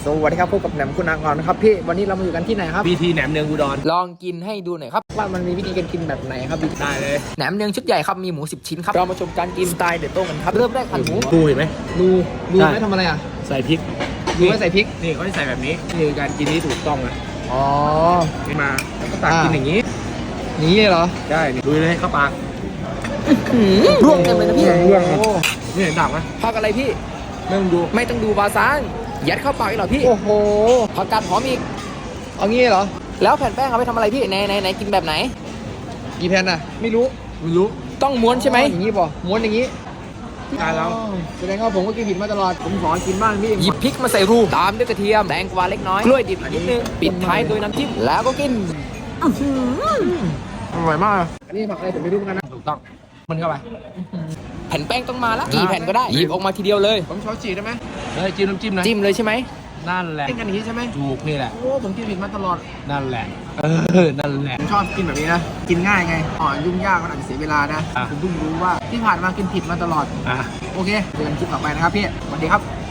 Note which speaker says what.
Speaker 1: สวัสดีครับพบกับแหนมคุณากรนะครับพี่วันนี้เรามาอยู่กันที่ไหนครับ
Speaker 2: พีทีแหนมเนืองอุดร
Speaker 3: ลองกินให้ดูหน่อยครับ
Speaker 1: ว่ามันมีวิธีการกินแบบไหนครับพี่
Speaker 2: ได้เลย
Speaker 3: แหนมเนืองชุดใหญ่ครับมีหมู10ชิ้นครับเรามาชมการกินสไตล์เด็ดโต้งกันครับเริ่มแรกหั่นหมู
Speaker 2: ดูเห็นไหม
Speaker 1: ดู
Speaker 2: ใช่
Speaker 1: ไม่ทำอะไรอ่ะ
Speaker 2: ใส่พริก
Speaker 1: ดูไม่ใส่พริก
Speaker 2: นี่เขาจะใส่แบบนี้นี่คือการกินที่ถูกต้องนะ
Speaker 1: อ๋อ
Speaker 2: นี่มาแล้วก็ตักกินอย่างนี้
Speaker 1: นี้เหรอ
Speaker 2: ใช่นี่ดูเลยเข้าปาก
Speaker 3: ร่วงเต็มเลยนะพี่
Speaker 2: ร่วง
Speaker 1: โอ้
Speaker 2: นี่เห็นดับไหม
Speaker 3: ผักอะไรพี่
Speaker 2: ไม่ต้องดู
Speaker 3: ไม่ต้องดูบาซางยัดเข้าปากอีกเหรอพี่
Speaker 1: โอ้โห
Speaker 3: ผักกาดหอมอีก
Speaker 1: เอางี้เหรอ
Speaker 3: แล้วแผ่นแป้งเอาไปทำอะไรพี่ไหนกินแบบไหน
Speaker 1: กี่แผ่นอ่ะไม่รู้
Speaker 2: ไม่รู้
Speaker 3: ต้องม้วนใช่ไหม
Speaker 1: อย่างนี้ป่ะม้วนอย่างนี้
Speaker 2: ตายแล้ว
Speaker 1: อ๋อแสดงว่าผมก็กินผิดมาตลอดผมขอกินบ้างพี่
Speaker 3: หยิบพริกมาใส่รูตามด้วยกระเทียมแตงกวาเล็กน้อยกล้วยดิบอีกนิดนึงปิดท้ายโดยน้ำจิ้มแล้วก็กิน
Speaker 1: อร่อยมากอันนี้ผักอะไรผมไม่รู้เหมือนกันนะ
Speaker 2: ถูกต้องมันเข้าไป
Speaker 3: แผ่นแป้งต้องมาละกี่แผ่นก็ได้หยิบออกมาทีเดียวเลย
Speaker 1: ผมช้อนฉีกได้ไหม
Speaker 2: เฮ้ยจิ้มน้ำจิ้มนะ
Speaker 3: จิ้มเลยใช่ไหม
Speaker 2: นั่นแหละ
Speaker 1: กินกันอย่างนี้ใช่ไหม
Speaker 2: ถูกนี่แหละ
Speaker 1: โอ้ผมกินผิดมาตลอด
Speaker 2: นั่นแหละนั่นแหละ
Speaker 1: ผมชอบกินแบบนี้นะ กินง่ายไงยุ่งยากมันอาจจะเสียเวลานะ
Speaker 2: อ่ะ
Speaker 1: ผมเพิ่งรู้ว่าที่ผ่านมากินผิดมาตลอด
Speaker 2: อ่ะ
Speaker 1: โอเคเจอกันคลิปต่อไปนะครับพี่ สวัสดีครับ